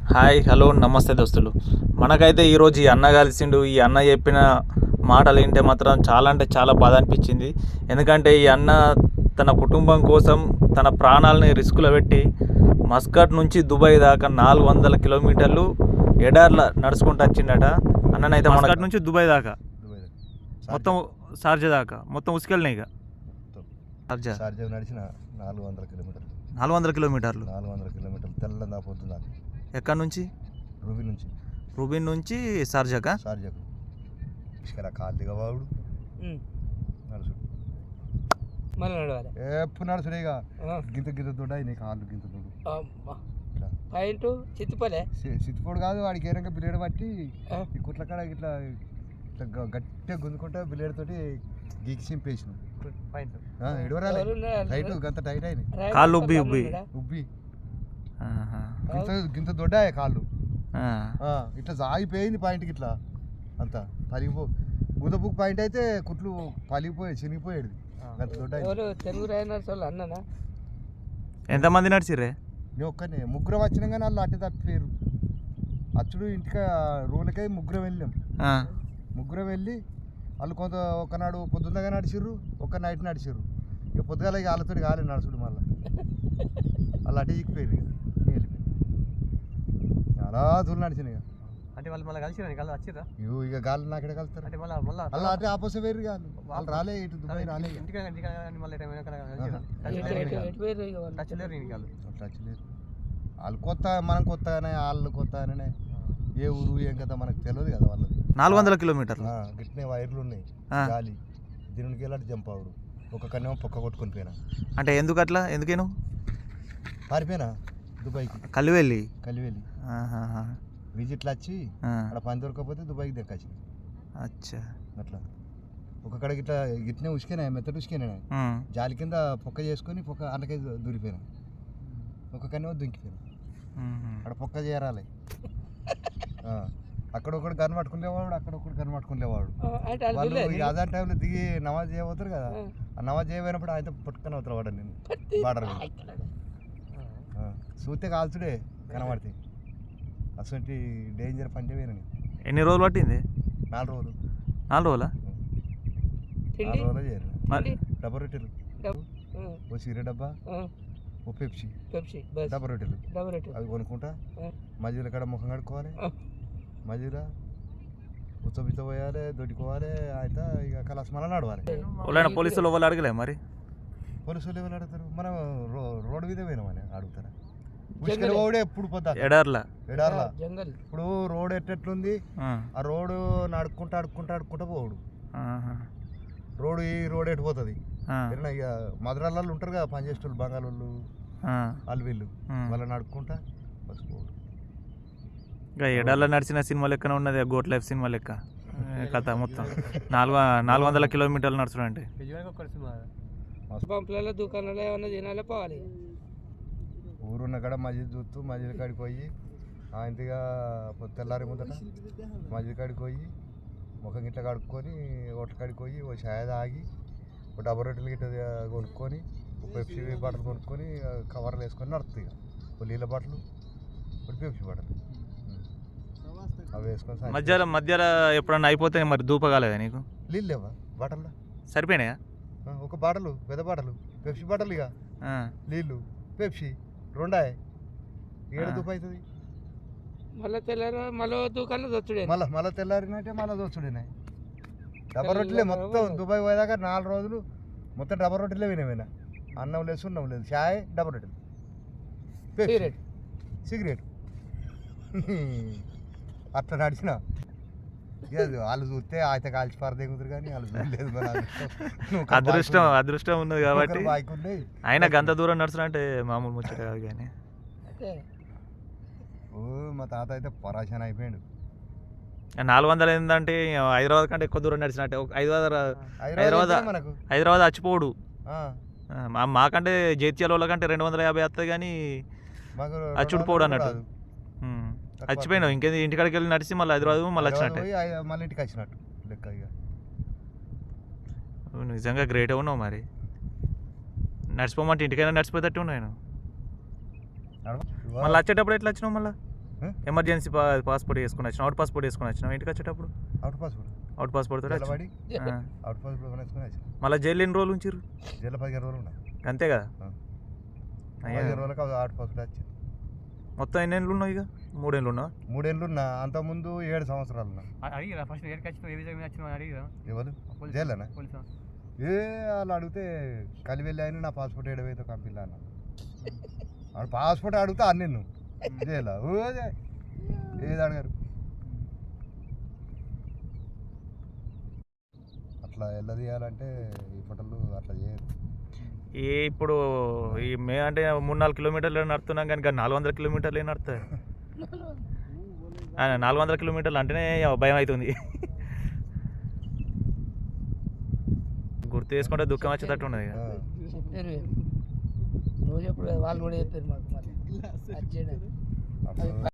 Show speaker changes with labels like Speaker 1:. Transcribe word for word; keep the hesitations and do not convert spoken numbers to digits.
Speaker 1: Hi hello నమస్తే దోస్తులు. మనకైతే ఈరోజు ఈ అన్న కలిసిండు. ఈ అన్న చెప్పిన మాటలు వింటే మాత్రం చాలా అంటే చాలా బాధ అనిపించింది. ఎందుకంటే ఈ అన్న తన కుటుంబం కోసం తన ప్రాణాలని రిస్కులో పెట్టి మస్కట్ నుంచి దుబాయ్ దాకా నాలుగు వందల కిలోమీటర్లు ఎడార్ల నడుచుకుంటూ వచ్చిండట. అన్ననైతే మస్కట్ నుంచి దుబాయ్ దాకా
Speaker 2: దుబాయ్ దగ్గర.
Speaker 1: మొత్తం షార్జా దాకా మొత్తం ఉసుకెళ్ళినాయి. ఇక
Speaker 2: మొత్తం
Speaker 1: షార్జా
Speaker 2: షార్జా నడిచిన నాలుగు వందల కిలోమీటర్లు
Speaker 1: నాలుగు వందల కిలోమీటర్లు
Speaker 2: నాలుగు వందల కిలోమీటర్లు తెల్లందా పొద్దుందా
Speaker 1: ఎక్కడి నుంచి?
Speaker 2: రూబీ నుంచి
Speaker 1: రూబిన్ నుంచి షార్జాకా?
Speaker 2: షార్జాకు ఇసుకల కాలు దిగవాడు నడుచుడు
Speaker 3: మళ్ళీ నడవాలి.
Speaker 2: ఎప్పుడు నడుచుడే ఇక గింత గింత దొడ్డ నీ కాళ్ళు గింత దొడ్డు ఇట్లా
Speaker 3: పాయింట్ చిత్తుపలే
Speaker 2: సిత్తిపోడు కాదు వాడికి ఏరంగా బిలేడు పట్టి ఈ కుట్ల కాడ ఇట్లా ఇట్లా గ- గట్టిగా గుంజుకుంటే బిలేడు తోటి గీకి చింపేసిన
Speaker 3: పాయింట్
Speaker 2: ఎడవరాలే టైట్ గంత టైట్ అయినాయి
Speaker 1: కాళ్ళు ఉబ్బి ఉబ్బి
Speaker 2: ఉబ్బి
Speaker 1: ఆహా.
Speaker 2: గింత గింత దొడ్డ కాళ్ళు
Speaker 1: ఆ.
Speaker 2: ఆ, ఇట్లా సాగిపోయింది పాయింట్కి ఇట్లా అంతా పలిగిపో గుదపుకు పాయింట్ అయితే కుట్లు పలిగిపోయాయి చినిగిపోయాడు అంత దొడ్డ
Speaker 3: ఎవరు తెలుగు రాయనర్స్ వాళ్ళు అన్ననా?
Speaker 1: ఎంతమంది నడిచిర్రే?
Speaker 2: నేను ఒక్కనే ముగ్గురం వచ్చినా కానీ వాళ్ళు అట్టే తప్పిపోయారు. అచ్చుడు ఇంటికి రూలకై ముగ్గురం వెళ్ళాం.
Speaker 1: ఆ.
Speaker 2: ముగ్గురం వెళ్ళి వాళ్ళు కొంత ఒకనాడు పొద్దున్నగా నడిచిర్రు, ఒక నైట్ నడిచిర్రు. ఇక పొద్దుగాల ఇక వాళ్ళతో కాలేదు నడుచుడు మళ్ళీ వాళ్ళు అటే చిక్కిపోయారు. ఇక నేను వెళ్ళిపోయాను చాలా దూరం నడిచిన ఇక
Speaker 3: అంటే వాళ్ళు మళ్ళీ కలిసి వాళ్ళు వచ్చిర్రా
Speaker 2: ఇగో ఇక గాలి నాకెడ కలుస్తారు
Speaker 3: అంటే మళ్ళీ మళ్ళీ
Speaker 2: అలా అటే ఆపోజిట్ వేరు కాదు వాళ్ళు రాలే ఇటు దుబాయ్ రాలే ఇక.
Speaker 3: ఇంటికి మళ్ళీ
Speaker 2: అట్లా వచ్చలేదు. వాళ్ళు కొత్త మనం కొత్తగానే వాళ్ళు కొత్తగానే ఏ ఊరు ఏం కదా మనకు తెలియదు కదా వాళ్ళది.
Speaker 1: నాలుగు వందల కిలోమీటర్లు
Speaker 2: ఆ, గిట్నే వైర్లు ఉన్నాయి
Speaker 1: ఆ.
Speaker 2: గాలి దీనికి వెళ్ళాడు జంపావుడు ఒక కన్నేమో పొక్క కొట్టుకొని పోయినా
Speaker 1: అంటే ఎందుకు అట్లా? ఎందుకేను
Speaker 2: పారిపోయినా దుబాయ్కి
Speaker 1: కలివెళ్ళి?
Speaker 2: కలివెళ్ళి
Speaker 1: ఆహాహా.
Speaker 2: విజిట్లు వచ్చి
Speaker 1: ఆ.
Speaker 2: అక్కడ పని దొరకకపోతే దుబాయ్కి దక్కొచ్చి
Speaker 1: అచ్చా.
Speaker 2: అట్లా ఒక కడ గిట్లా గిట్నే ఉసికేనా మెత్తటి ఉసికేనా
Speaker 1: ఉమ్.
Speaker 2: జాలి కింద పొక్క చేసుకొని పొక్క అంటకై దూరిపోయినా ఒక కన్నేమో దుంకిపోయినా
Speaker 1: ఉమ్.
Speaker 2: అక్కడ పొక్క చేరాలి. ఆ, అక్కడ ఒకడు గన్ పట్టుకునేవాడు అక్కడ ఒకడు గన్ పట్టుకునేవాడు. వాళ్ళు ఇక అదే టైంలో దిగి నమాజ్ చేయబోతారు కదా, ఆ నమాజ్ చేయబోయినప్పుడు ఆయన పట్టుకొని అవుతారు వాడు నేను బార్డర్ మీద చూస్తే కాల్చుడే కనబడితే అసలు డేంజర్ పంటే వేరని.
Speaker 1: ఎన్ని రోజులు పట్టింది?
Speaker 2: నాలుగు రోజులు
Speaker 1: నాలుగు రోజులా?
Speaker 2: నాలుగు రోజులు చేయరు.
Speaker 1: మరి
Speaker 2: డబ్బా రొట్టెలు, ఓ సిగరెట్ డబ్బా, ఓ పెప్సీ,
Speaker 3: పెప్సీ
Speaker 2: డబ్బా రొట్టెలు
Speaker 3: డబల్ రేటు
Speaker 2: అవి కొనుక్కుంటా మధ్యలో కాడ ముఖం కడుక్కోవాలి, మధ్యలో ఉచ్చబిచ్చ పోయాలి, దొడ్డుకోవాలి. అయితే ఇక కలాస్ మళ్ళీ నడవాలి.
Speaker 1: వాళ్ళైనా పోలీసులు వాళ్ళు అడగలే మరి?
Speaker 2: పోలీసులు ఎవరు అడుగుతారు? మనం రో రోడ్డు మీద పోయినామని అడుగుతారా? ఉసుకలు పోవడే ఎప్పుడు పొద్దా
Speaker 1: ఎడార్లా
Speaker 2: ఎడార్లా.
Speaker 3: జంగల్
Speaker 2: ఇప్పుడు రోడ్ ఎట్టెట్లుంది,
Speaker 1: ఆ.
Speaker 2: ఆ రోడ్డు నడుక్కుంటా అడుక్కుంటా అడుక్కుంటా పోవుడు.
Speaker 1: ఆహా.
Speaker 2: రోడ్డు ఈ రోడ్ ఎటు పోతుంది.
Speaker 1: ఆ.
Speaker 2: ఏదైనా ఇక మధురాలలో ఉంటారు కదా పనిచేసేవాళ్ళు బంగాళోళ్ళు
Speaker 1: ఆ.
Speaker 2: వాళ్ళు వీళ్ళు
Speaker 1: ఉమ్.
Speaker 2: వాళ్ళని నడుక్కుంటా బస్ పోవుడు.
Speaker 1: ఇంకా ఎడార్లో నడిచిన సినిమా లెక్కనే ఉన్నది, గోట్ లైఫ్ సినిమా లెక్క ఏ కథ మొత్తం. నాలుగు నాలుగు వందల కిలోమీటర్లు నడుచుడు అంటే
Speaker 3: పంపులలో దుకాణాలు ఏమన్నా తినాలి పోవాలి.
Speaker 2: ఊరున్న కాడ మస్జిద్ చూస్తూ మస్జిద్ కాడికి పోయి ఆయనగా తెల్లారి ముందట మస్జిద్ కాడికి పోయి ముఖం గిట్ల కడుక్కొని హోటల్ కాడికి పోయి ఓ ఛాయ్ తాగి ఒక డబ్బా రొట్టెలు గిట్ట కొనుక్కొని ఒక పెప్సీ బాటిల్ కొనుక్కొని కవర్లు వేసుకొని నడుస్తుంది. ఇక ఒక నీళ్ళ బాటిల్ ఒక పెప్సీ బాటిల్ అవి వేసుకొని
Speaker 1: మధ్యలో మధ్యలో ఎప్పుడన్నా అయిపోతే మరి దూపగాలేదా నీకు?
Speaker 2: నీళ్ళు లేవా బాటల్లో?
Speaker 1: సరిపోయినాయా?
Speaker 2: ఒక బాటలు పెద్ద బాటలు పెప్సీ బాటలు ఇక
Speaker 1: ఆ.
Speaker 2: నీళ్ళు పెప్సీ రెండాయి ఏడు
Speaker 1: ఆ.
Speaker 2: దూపు అవుతుంది.
Speaker 3: మళ్ళీ తెల్లారి మళ్ళీ దుకాణం దొచ్చుడే
Speaker 2: మళ్ళీ మళ్ళీ తెల్లారినట్టే మళ్ళీ దోచుడినాయి. డబ్బా రొట్టెలే మొత్తం దుబాయ్ పోయేదాకా నాలుగు రోజులు మొత్తం డబ్బా రొట్టెలే వినేమైనా. అన్నం లేదు సున్నం లేదు, చాయ్ డబ్బా రొట్టెలు, పెప్సీ,
Speaker 3: సిగరెట్.
Speaker 2: సిగరెట్ అట్లా నడిచిన. ఇక వాళ్ళు చూస్తే అయితే కాల్చి పారదేగుతారు కానీ వాళ్ళు చూడలేదు. మన
Speaker 1: అదృష్టం అదృష్టం ఉన్నది కాబట్టి
Speaker 2: బాయ్కి ఉన్నాయి.
Speaker 1: అయినా గంత దూరం నడుచుడు అంటే మామూలు ముచ్చట కాదు. కానీ
Speaker 3: అయితే
Speaker 2: ఓ మా తాత అయితే పరాశాన అయిపోయాడు.
Speaker 1: నాలుగు వందలు ఏంటంటే హైదరాబాద్ కంటే ఎక్కువ దూరం నడిచినట్టే. ఒక హైదరాబాద్ హైదరాబాద్
Speaker 2: అయితే మనకు
Speaker 1: హైదరాబాద్ చచ్చిపోడు.
Speaker 2: ఆ,
Speaker 1: మా మాకంటే జైత్యాల వాళ్ళ కంటే రెండు వందల యాభై వస్తుంది కానీ
Speaker 2: మాకు
Speaker 1: అచ్చుడు పోడు
Speaker 2: రెండు వందలు
Speaker 1: అన్నట్టు.
Speaker 2: రాదు.
Speaker 1: ఉమ్. చచ్చిపోయినావు ఇంకేంది, ఇంటికాడికి వెళ్ళి నడిచి మళ్ళీ హైదరాబాద్ మళ్ళీ వచ్చినట్టే.
Speaker 2: పోయి ఐ- మళ్ళీ ఇంటికి వచ్చినట్టు లెక్క. ఇక
Speaker 1: నువ్వు నిజంగా గ్రేట్ ఉన్నావు మరి. నడిచిపోమంటే ఇంటికైనా నడిచిపోయేటట్టు ఉన్నాను.
Speaker 2: నడవ-
Speaker 1: మళ్ళీ వచ్చేటప్పుడు ఎట్లా వచ్చినావు? మళ్ళీ ఎమర్జెన్సీ పా పాస్పోర్ట్ వేసుకుని వచ్చిన అవుట్ పాస్పోర్ట్ వేసుకుని వచ్చినావు ఇంటికి వచ్చేటప్పుడు
Speaker 2: అవుట్ పాస్పోర్ట్
Speaker 1: అవుట్ పాస్పోర్ట్ తోటి
Speaker 2: నిలబడి
Speaker 1: వచ్చిన
Speaker 2: అవుట్ పాస్పోర్ట్ వేసుకొని వచ్చాను.
Speaker 1: మళ్ళీ జైలు ఎన్ని రోజులు ఉంచారు
Speaker 2: జైలు పదిహేను రోజులు ఉన్నాయి.
Speaker 1: అంతే కదా
Speaker 2: ఆ.
Speaker 1: అయ్యా.
Speaker 2: పదిహేను రోజులకు అవుట్ పాస్పోర్ట్ వచ్చింది.
Speaker 1: మొత్తం ఎన్ని ఏళ్ళు ఉన్నావు ఇక మూడేళ్ళు ఉన్నావు
Speaker 2: మూడేళ్ళు ఉన్నా, అంతకుముందు ఏడు సంవత్సరాలు ఉన్నా.
Speaker 4: అడిగిరా ఫస్ట్ ఏడుకి వచ్చినావు ఏ విధంగా వచ్చినావు అడిగిరా
Speaker 2: ఎవరు
Speaker 4: పోలీసు
Speaker 2: జైలేనా?
Speaker 4: పోలీసు
Speaker 2: ఏ వాళ్ళు అడిగితే కలివెళ్ళి అయినా నా పాస్పోర్ట్ ఏడవైతే కంపిల్లా అన్న వాడు పాస్పోర్ట్ అడుగుతా అని నిన్ను జైలా ఓదే ఏది అడిగారు అట్లా ఎలా తీయాలంటే ఈ ఫోటోలు అట్లా చేయరు.
Speaker 1: ఈ ఇప్పుడు ఈ మే అంటే మూడు నాలుగు కిలోమీటర్లు నడుతున్నాం కానీ ఇంకా నాలుగు వందల కిలోమీటర్లు ఏం నడుతుంది నాలుగు వందల కిలోమీటర్లు అంటేనే భయం అవుతుంది గుర్తు చేసుకుంటే దుఃఖం వచ్చేటట్టు ఉన్నది ఇక.
Speaker 2: ఆ.
Speaker 3: చెప్పారు రోజు ఎప్పుడు వాళ్ళు కూడా చెప్పారు మాకు మరి వచ్చేయడం.
Speaker 2: అప్పుడు